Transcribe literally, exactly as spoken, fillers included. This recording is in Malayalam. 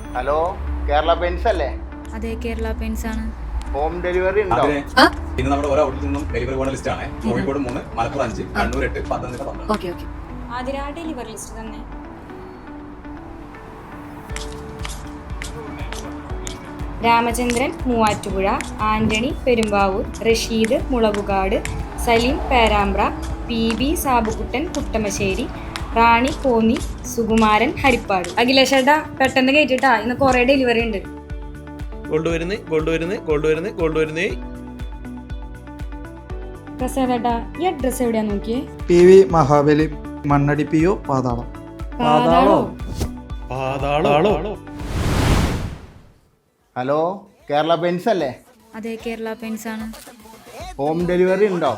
ഹലോ, കേരള പെയിന്റ്സ് അല്ലേ? അതെ, കേരള പെയിന്റ്സ് ആണ്. ഹോം ഡെലിവറി ഉണ്ടോ? ഇന്ന് നമ്മുടെ ഓരോ ഔട്ട്ലെറ്റിൽ നിന്നും ഡെലിവറി പോകുന്ന ലിസ്റ്റ് ആണ്. കോഴിക്കോട് മൂന്ന്, മലപ്പുറം അഞ്ച്, കണ്ണൂർ എട്ട്, പത്തനംതിട്ട പന്ത്രണ്ട്. Okay okay. Athira delivery list തന്നെ. Ramachandran Muvattupuzha, Antony Perumbavoor, Rasheed Mulakukad, Saleem Perambra, P B Sabukuttan Kuttamassery, Rani Konni, Sukumaran Harippad. അഖിലേഷേട്ടാ, പെട്ടെന്ന് കയറ്റിട്ടാ, ഇന്ന് കുറെ ഡെലിവറി ഉണ്ട്. ഗോൾഡ് വരുന്നേ, ഗോൾഡ് വരുന്നേ, ഗോൾഡ് വരുന്നേ, ഗോൾഡ് വരുന്നേ. പ്രസാദേട്ടാ, ഈ അഡ്രസ് എവിടെയാ നോക്കിയേ? P V Mahabali, Mannadi P O, Pathalam. പാതാളോ? പാതാളോ? ഹലോ, കേരള പെയിന്റ്സ് അല്ലേ? അതെ, കേരള പെയിന്റ്സ് ആണ്. ഹോം ഡെലിവറി ഉണ്ടോ?